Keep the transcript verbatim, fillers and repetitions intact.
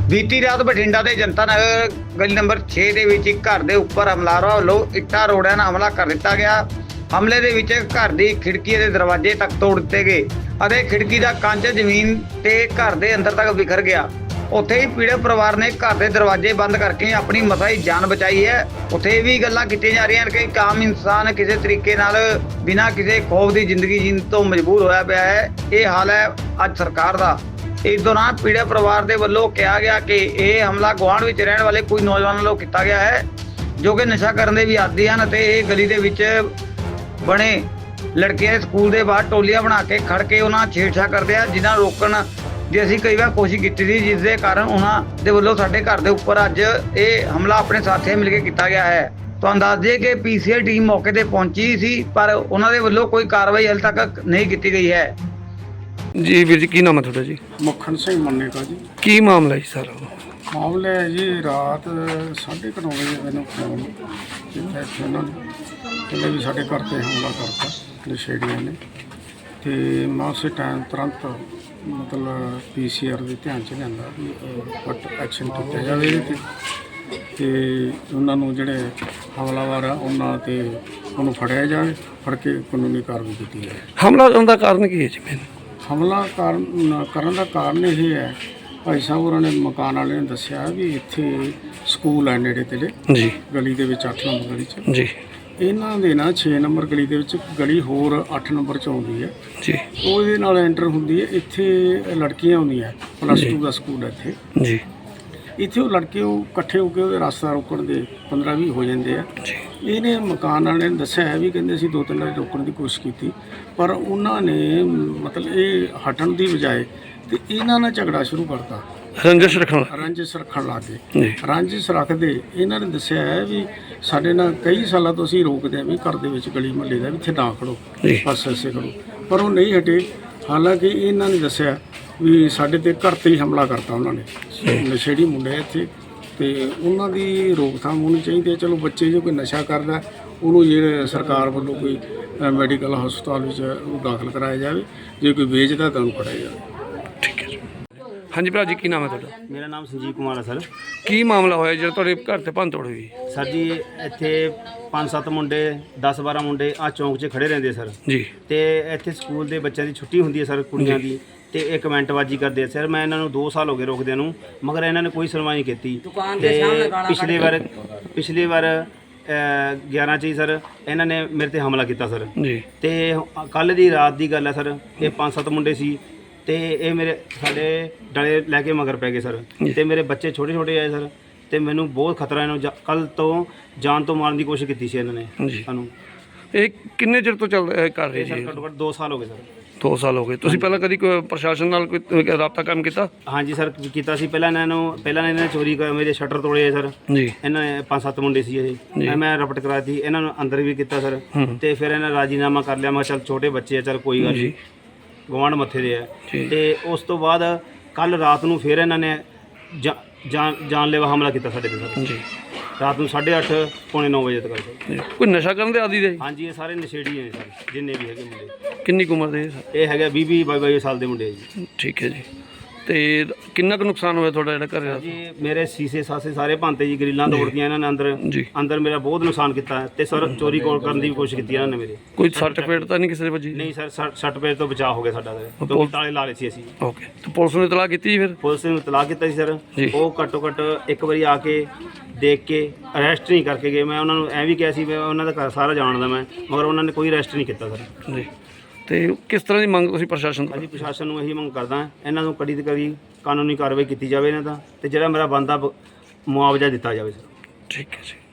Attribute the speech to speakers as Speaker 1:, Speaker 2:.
Speaker 1: ਬੀਤੀ ਰਾਤ ਬਠਿੰਡਾ ਦੇ ਜਨਤਾ ਨਗਰ ਗਲੀ ਨੰਬਰ ਛੇ ਦੇ ਵਿੱਚ ਇੱਕ ਘਰ ਦੇ ਉੱਪਰ ਹਮਲਾਵਰਾਂ ਵੱਲੋਂ ਇੱਟਾਂ ਰੋੜਿਆਂ ਨਾਲ ਹਮਲਾ ਕਰ ਦਿੱਤਾ ਗਿਆ। ਹਮਲੇ ਦੇ ਵਿੱਚ ਘਰ ਦੀ ਖਿੜਕੀ ਦੇ ਦਰਵਾਜ਼ੇ ਤੱਕ ਤੋੜ ਦਿੱਤੇ ਗਏ ਅਤੇ ਖਿੜਕੀ ਦਾ ਕੰਚ ਜ਼ਮੀਨ ਤੇ ਘਰ ਦੇ ਅੰਦਰ ਤੱਕ ਵਿਖਰ ਗਿਆ। ਉੱਥੇ ਹੀ ਪੀੜਤ ਪਰਿਵਾਰ ਨੇ ਘਰ ਦੇ ਦਰਵਾਜ਼ੇ ਬੰਦ ਕਰਕੇ ਆਪਣੀ ਮਸਾਈ ਜਾਨ ਬਚਾਈ ਹੈ। ਉੱਥੇ ਇਹ ਵੀ ਗੱਲਾਂ ਕੀਤੀਆਂ ਜਾ ਰਹੀਆਂ ਹਨ ਕਿ ਇੱਕ ਆਮ ਇਨਸਾਨ ਕਿਸੇ ਤਰੀਕੇ ਨਾਲ ਬਿਨਾਂ ਕਿਸੇ ਖੌਫ ਦੀ ਜ਼ਿੰਦਗੀ ਜੀਣ ਤੋਂ ਮਜਬੂਰ ਹੋਇਆ ਪਿਆ ਹੈ। ਇਹ ਹਾਲ ਹੈ ਅੱਜ ਸਰਕਾਰ ਦਾ। ਇਸ ਦੌਰਾਨ ਪੀੜਤ ਪਰਿਵਾਰ ਦੇ ਵੱਲੋਂ ਕਿਹਾ ਗਿਆ ਕਿ ਇਹ ਹਮਲਾ ਗੁਆਂਢ ਵਿੱਚ ਰਹਿਣ ਵਾਲੇ ਕੋਈ ਨੌਜਵਾਨਾਂ ਵੱਲੋਂ ਕੀਤਾ ਗਿਆ ਹੈ ਜੋ ਕਿ ਨਸ਼ਾ ਕਰਨ ਦੇ ਵੀ ਆਦੀ ਹਨ ਅਤੇ ਇਹ ਗਲੀ ਦੇ ਵਿੱਚ ਬਣੇ ਲੜਕੇ ਦੇ ਸਕੂਲ ਦੇ ਬਾਹਰ ਟੋਲੀਆਂ ਬਣਾ ਕੇ ਖੜ ਕੇ ਉਹਨਾਂ ਛੇੜਛਾੜ ਕਰਦੇ ਆ, ਜਿਨ੍ਹਾਂ ਨੂੰ ਰੋਕਣ ਦੀ ਅਸੀਂ ਕਈ ਵਾਰ ਕੋਸ਼ਿਸ਼ ਕੀਤੀ ਸੀ, ਜਿਸ ਦੇ ਕਾਰਨ ਉਹਨਾਂ ਦੇ ਵੱਲੋਂ ਸਾਡੇ ਘਰ ਦੇ ਉੱਪਰ ਅੱਜ ਇਹ ਹਮਲਾ ਆਪਣੇ ਸਾਥੀਆਂ ਮਿਲ ਕੇ ਕੀਤਾ ਗਿਆ ਹੈ। ਤੁਹਾਨੂੰ ਦੱਸ ਦਈਏ ਕਿ ਪੀਸੀਆਰ ਟੀਮ ਮੌਕੇ ਤੇ ਪਹੁੰਚੀ ਸੀ ਪਰ ਉਹਨਾਂ ਦੇ ਵੱਲੋਂ ਕੋਈ ਕਾਰਵਾਈ ਹਾਲੇ ਤੱਕ ਨਹੀਂ ਕੀਤੀ ਗਈ ਹੈ।
Speaker 2: ਜੀ ਵੀਰ ਜੀ, ਕੀ ਨਾਮ ਹੈ ਤੁਹਾਡਾ ਜੀ?
Speaker 3: ਮੱਖਣ ਸਿੰਘ ਮੰਨੇ ਕਾ ਜੀ।
Speaker 2: ਕੀ ਮਾਮਲਾ ਜੀ ਸਾਰਾ?
Speaker 3: ਮਾਮਲਾ ਹੈ ਜੀ, ਰਾਤ ਸਾਢੇ ਕੁ ਨੌ ਵਜੇ ਮੈਨੂੰ ਫੋਨ ਕੀਤਾ ਇੱਥੇ ਉਹਨਾਂ ਨੇ, ਕਹਿੰਦੇ ਵੀ ਸਾਡੇ ਘਰ 'ਤੇ ਹਮਲਾ ਕਰਤਾ ਨਸ਼ੇੜੀਆਂ ਨੇ। ਅਤੇ ਮੈਂ ਉਸੇ ਟਾਈਮ ਤੁਰੰਤ ਮਤਲਬ ਪੀ ਸੀ ਆਰ ਦੇ ਧਿਆਨ 'ਚ ਲਿਆਂਦਾ ਵੀ ਫਟ ਐਕਸ਼ਨ ਕੀਤਾ ਜਾਵੇ ਇਹਦੇ 'ਤੇ ਅਤੇ ਉਹਨਾਂ ਨੂੰ ਜਿਹੜੇ ਹਮਲਾਵਰ ਆ ਉਹਨਾਂ 'ਤੇ ਉਹਨੂੰ ਫੜਿਆ ਜਾਵੇ, ਫੜ ਕੇ ਕਾਨੂੰਨੀ ਕਾਰਵਾਈ ਕੀਤੀ ਜਾਵੇ।
Speaker 2: ਹਮਲਾ ਕਰਨ ਦਾ ਕਾਰਨ ਕੀ ਹੈ ਜੀ? ਮੈਨੂੰ
Speaker 3: ਹਮਲਾ ਕਾਰਨ ਕਰਨ ਦਾ ਕਾਰਨ ਇਹ ਹੈ, ਭਾਈ ਸਾਹਿਬ ਹੋਰਾਂ ਨੇ ਮਕਾਨ ਵਾਲੇ ਨੇ ਦੱਸਿਆ ਵੀ ਇੱਥੇ ਸਕੂਲ ਹੈ ਨੇੜੇ ਤੇੜੇ
Speaker 2: ਜੀ,
Speaker 3: ਗਲੀ ਦੇ ਵਿੱਚ ਅੱਠ ਨੰਬਰ ਗਲੀ 'ਚ।
Speaker 2: ਜੀ
Speaker 3: ਇਹਨਾਂ ਦੇ ਨਾ ਛੇ ਨੰਬਰ ਗਲੀ ਦੇ ਵਿੱਚ ਗਲੀ ਹੋਰ ਅੱਠ ਨੰਬਰ 'ਚ ਆਉਂਦੀ ਹੈ
Speaker 2: ਜੀ,
Speaker 3: ਉਹਦੇ ਨਾਲ ਐਂਟਰ ਹੁੰਦੀ ਹੈ। ਇੱਥੇ ਲੜਕੀਆਂ ਆਉਂਦੀਆਂ, ਪਲੱਸ ਟੂ ਦਾ ਸਕੂਲ ਹੈ ਇੱਥੇ
Speaker 2: ਜੀ।
Speaker 3: ਇੱਥੇ ਉਹ ਲੜਕੇ ਉਹ ਇਕੱਠੇ ਹੋ ਕੇ ਉਹਦੇ ਰਸਤਾ ਰੋਕਣ ਦੇ ਪੰਦਰਾਂ ਵੀਹ ਹੋ ਜਾਂਦੇ ਆ
Speaker 2: ਜੀ।
Speaker 3: ਇਹਨੇ ਮਕਾਨ ਵਾਲੇ ਨੇ ਦੱਸਿਆ ਹੈ ਵੀ ਕਹਿੰਦੇ ਅਸੀਂ ਦੋ ਤਿੰਨ ਵਾਰੀ ਰੋਕਣ ਦੀ ਕੋਸ਼ਿਸ਼ ਕੀਤੀ ਪਰ ਉਹਨਾਂ ਨੇ ਮਤਲਬ ਇਹ ਹਟਣ ਦੀ ਬਜਾਏ ਤੇ ਇਹਨਾਂ ਨਾਲ ਝਗੜਾ ਸ਼ੁਰੂ ਕਰਤਾ,
Speaker 2: ਰੰਜਿਸ਼ ਰੱਖਣ
Speaker 3: ਰੰਜਿਸ਼ ਰੱਖਣ ਲੱਗ ਗਏ।
Speaker 2: ਜੀ।
Speaker 3: ਰੰਜਿਸ਼ ਰੱਖਦੇ ਇਹਨਾਂ ਨੇ ਦੱਸਿਆ ਹੈ ਵੀ ਸਾਡੇ ਨਾਲ ਕਈ ਸਾਲਾਂ ਤੋਂ ਅਸੀਂ ਰੋਕਦੇ ਹਾਂ ਵੀ ਘਰ ਦੇ ਵਿੱਚ ਗਲੀ ਮੁਹੱਲੇ ਦਾ ਵੀ ਇੱਥੇ ਨਾ ਖੜੋ,
Speaker 2: ਜੀ।
Speaker 3: ਬਸ ਐਸੇ ਖੜੋ, ਪਰ ਉਹ ਨਹੀਂ ਹਟੇ। ਹਾਲਾਂਕਿ ਇਹਨਾਂ ਨੇ ਦੱਸਿਆ ਵੀ ਸਾਡੇ ਤੇ ਘਰ 'ਤੇ ਹੀ ਹਮਲਾ ਕਰਤਾ ਉਹਨਾਂ ਨੇ। ਨਸ਼ੇੜੀ ਮੁੰਡੇ ਇੱਥੇ ਤੇ ਉਹਨਾਂ ਦੀ ਰੋਕਥਾਮ ਹੋਣੀ ਚਾਹੀਦੀ ਹੈ। ਚਲੋ ਬੱਚੇ ਜੋ ਕੋਈ ਨਸ਼ਾ ਕਰਦਾ ਉਹਨੂੰ ਜਿਹੜੇ ਸਰਕਾਰ ਵੱਲੋਂ ਕੋਈ ਮੈਡੀਕਲ ਹਸਪਤਾਲ ਵਿੱਚ ਉਹ ਦਾਖਲ ਕਰਾਇਆ ਜਾਵੇ, ਜੇ ਕੋਈ ਵੇਚਦਾ ਤਾਂ ਉਹਨੂੰ ਫੜਿਆ ਜਾਵੇ।
Speaker 2: ਠੀਕ ਹੈ ਜੀ। ਹਾਂਜੀ ਭਰਾ ਜੀ, ਕੀ ਨਾਮ ਹੈ ਤੁਹਾਡਾ?
Speaker 4: ਮੇਰਾ ਨਾਮ ਸੰਜੀਵ ਕੁਮਾਰ ਹੈ ਸਰ।
Speaker 2: ਕੀ ਮਾਮਲਾ ਹੋਇਆ ਜਿਹੜਾ ਤੁਹਾਡੇ ਘਰ ਤੇ ਭੰਨ ਤੋੜ ਹੋਈ?
Speaker 4: ਸਰ ਜੀ, ਇੱਥੇ ਪੰਜ ਸੱਤ ਮੁੰਡੇ ਦਸ ਬਾਰਾਂ ਮੁੰਡੇ ਆ ਚੌਂਕ 'ਚ ਖੜੇ ਰਹਿੰਦੇ ਸਰ
Speaker 2: ਜੀ।
Speaker 4: ਤੇ ਇੱਥੇ ਸਕੂਲ ਦੇ ਬੱਚਿਆਂ ਦੀ ਛੁੱਟੀ ਹੁੰਦੀ ਹੈ ਸਰ, ਕੁੜੀਆਂ ਦੀ, ਤੇ ਇਹ ਕਮੈਂਟਬਾਜ਼ੀ ਕਰਦੇ ਆ ਸਰ। ਮੈਂ ਇਹਨਾਂ ਨੂੰ ਦੋ ਸਾਲ ਹੋ ਗਏ ਰੋਕਦਿਆਂ ਨੂੰ, ਮਗਰ ਇਹਨਾਂ ਨੇ ਕੋਈ ਸੁਣਵਾਈ ਨਹੀਂ ਕੀਤੀ। ਤੇ ਪਿਛਲੇ ਵਾਰ ਪਿਛਲੇ ਵਾਰ ਗਿਆਰਾਂ 'ਚ ਹੀ ਸਰ ਇਹਨਾਂ ਨੇ ਮੇਰੇ ਤੇ ਹਮਲਾ ਕੀਤਾ ਸਰ
Speaker 2: ਜੀ।
Speaker 4: ਤੇ ਕੱਲ੍ਹ ਦੀ ਰਾਤ ਦੀ ਗੱਲ ਹੈ ਸਰ। ਇਹ ਪੰਜ ਸੱਤ ਮੁੰਡੇ ਸੀ ਤੇ ਇਹ ਮੇਰੇ ਸਾਡੇ ਡਲੇ ਲੈ ਕੇ ਮਗਰ ਪੈ ਗਏ ਸਰ। ਤੇ ਮੇਰੇ ਬੱਚੇ ਛੋਟੇ ਛੋਟੇ ਆਏ ਸਰ ਤੇ ਮੈਨੂੰ ਬਹੁਤ ਖਤਰਾ ਇਹਨਾਂ ਨੂੰ ਕੱਲ੍ਹ ਤੋਂ ਜਾਨ ਤੋਂ ਮਾਰਨ ਦੀ ਕੋਸ਼ਿਸ਼ ਕੀਤੀ ਸੀ ਇਹਨਾਂ ਨੇ
Speaker 2: ਜੀ।
Speaker 4: ਸਾਨੂੰ।
Speaker 2: ਇਹ ਕਿੰਨੇ ਚਿਰ ਤੋਂ ਚੱਲ ਇਹ ਕਰ ਰਹੇ
Speaker 4: ਸਰ
Speaker 2: ਜੀ?
Speaker 4: ਘੱਟੋ ਘੱਟ ਦੋ ਸਾਲ ਹੋ ਗਏ ਸਰ।
Speaker 2: ਦੋ ਸਾਲ ਹੋ ਗਏ। ਤੁਸੀਂ ਪਹਿਲਾਂ ਕਦੀ ਕੋਈ ਪ੍ਰਸ਼ਾਸਨ ਨਾਲ ਕੋਈ ਰਾਬਤਾ ਕੰਮ ਕੀਤਾ?
Speaker 4: ਹਾਂਜੀ ਸਰ, ਕੀਤਾ ਸੀ। ਪਹਿਲਾਂ ਇਹਨਾਂ ਨੂੰ ਪਹਿਲਾਂ ਇਹਨਾਂ ਨੇ ਚੋਰੀ ਕਰ ਮੇਰੇ ਸ਼ਟਰ ਤੋੜੇ ਸਰ।
Speaker 2: ਜੀ।
Speaker 4: ਇਹਨਾਂ ਨੇ ਪੰਜ ਸੱਤ ਮੁੰਡੇ ਸੀ ਇਹ, ਮੈਂ ਰਪਟ ਕਰਾਤੀ, ਇਹਨਾਂ ਨੂੰ ਅੰਦਰ ਵੀ ਕੀਤਾ ਸਰ। ਤੇ ਫਿਰ ਇਹਨਾਂ ਰਾਜੀਨਾਮਾ ਕਰ ਲਿਆ। ਮੈਂ ਚੱਲ ਛੋਟੇ ਬੱਚੇ ਆ, ਚੱਲ ਕੋਈ ਗੱਲ ਨਹੀਂ, ਗਵਾਂਢ ਮੱਥੇ ਦੇ ਆ। ਤੇ ਉਸ ਤੋਂ ਬਾਅਦ ਕੱਲ ਰਾਤ ਨੂੰ ਫਿਰ ਇਹਨਾਂ ਨੇ ਜਾਨ ਜਾਨਲੇਵਾ ਹਮਲਾ ਕੀਤਾ ਸਾਡੇ ਤੇ ਸਰ। ਜੀ। ਰਾਤ ਨੂੰ ਸਾਢੇ ਅੱਠ ਪੌਣੇ ਨੌ ਵਜੇ ਤੱਕ ਸਰ।
Speaker 2: ਕੋਈ ਨਸ਼ਾ ਕਰਨ ਦੇ ਆਦੀ ਦੇ?
Speaker 4: ਹਾਂਜੀ, ਇਹ ਸਾਰੇ ਨਸ਼ੇੜੀ ਨੇ ਸਰ, ਜਿੰਨੇ ਵੀ ਹੈਗੇ ਮੁੰਡੇ।
Speaker 2: ਕਿੰਨੀ ਕੁ ਉਮਰ ਦੇ ਸਰ? ਇਹ
Speaker 4: ਹੈਗਾ ਵੀਹ ਵੀਹ ਬਾਈ ਬਾਈ ਸਾਲ ਦੇ ਮੁੰਡੇ ਜੀ।
Speaker 2: ਠੀਕ ਹੈ ਜੀ। ਤੇ ਕਿੰਨਾ ਕੁ ਨੁਕਸਾਨ ਹੋਇਆ ਤੁਹਾਡਾ ਜਿਹੜਾ ਘਰ?
Speaker 4: ਜੀ ਮੇਰੇ ਸੀਸੇ ਸਾਸੇ ਸਾਰੇ ਭੰਨਤੇ ਜੀ, ਗਰਿੱਲਾਂ ਤੋੜਦੀਆਂ ਇਹਨਾਂ ਨੇ ਅੰਦਰ ਅੰਦਰ ਮੇਰਾ ਬਹੁਤ ਨੁਕਸਾਨ ਕੀਤਾ। ਤੇ ਸਰ ਚੋਰੀ ਕੋਲ ਕਰਨ ਦੀ ਵੀ ਕੋਸ਼ਿਸ਼ ਕੀਤੀ ਇਹਨਾਂ ਨੇ ਮੇਰੇ।
Speaker 2: ਕੋਈ ਸੱਟ ਫੇਟ ਤਾਂ ਨਹੀਂ ਕਿਸੇ ਦੇ ਵੱਜੀ?
Speaker 4: ਨਹੀਂ ਸਰ, ਸੱਟ ਫੇਟ ਤੋਂ ਬਚਾਅ ਹੋ ਗਿਆ ਸਾਡਾ ਸਰ, ਕਿਉਂਕਿ ਤਾਲੇ ਲਾ ਲਏ ਸੀ ਅਸੀਂ।
Speaker 2: ਓਕੇ। ਤੇ ਪੁਲਿਸ ਨੂੰ ਇਤਲਾਹ ਕੀਤੀ ਫਿਰ?
Speaker 4: ਪੁਲਿਸ ਨੂੰ ਇਤਲਾਹ ਕੀਤਾ ਸੀ ਸਰ। ਉਹ ਘੱਟੋ ਘੱਟ ਇੱਕ ਵਾਰੀ ਆ ਕੇ ਦੇਖ ਕੇ ਅਰੈਸਟ ਨਹੀਂ ਕਰਕੇ ਗਏ। ਮੈਂ ਉਹਨਾਂ ਨੂੰ ਐਂ ਵੀ ਕਿਹਾ ਸੀ ਮੈਂ ਉਹਨਾਂ ਦਾ ਘਰ ਸਾਰਾ ਜਾਣਦਾ ਮੈਂ, ਮਗਰ ਉਹਨਾਂ ਨੇ ਕੋਈ ਅਰੈਸਟ ਨਹੀਂ ਕੀਤਾ ਸਰ।
Speaker 2: ਜੀ। ਤੇ ਕਿਸ ਤਰ੍ਹਾਂ ਦੀ ਮੰਗ ਤੁਸੀਂ ਪ੍ਰਸ਼ਾਸਨ ਤੋਂ?
Speaker 4: ਹਾਂਜੀ, ਪ੍ਰਸ਼ਾਸਨ ਨੂੰ ਇਹੀ ਮੰਗ ਕਰਦਾ ਇਹਨਾਂ ਨੂੰ ਕੜੀ ਤੇ ਕੜੀ ਕਾਨੂੰਨੀ ਕਾਰਵਾਈ ਕੀਤੀ ਜਾਵੇ ਇਹਨਾਂ ਦਾ, ਤੇ ਜਿਹੜਾ ਮੇਰਾ ਬਣਦਾ ਮੁਆਵਜ਼ਾ ਦਿੱਤਾ ਜਾਵੇ ਸਰ।
Speaker 2: ਠੀਕ ਹੈ ਜੀ।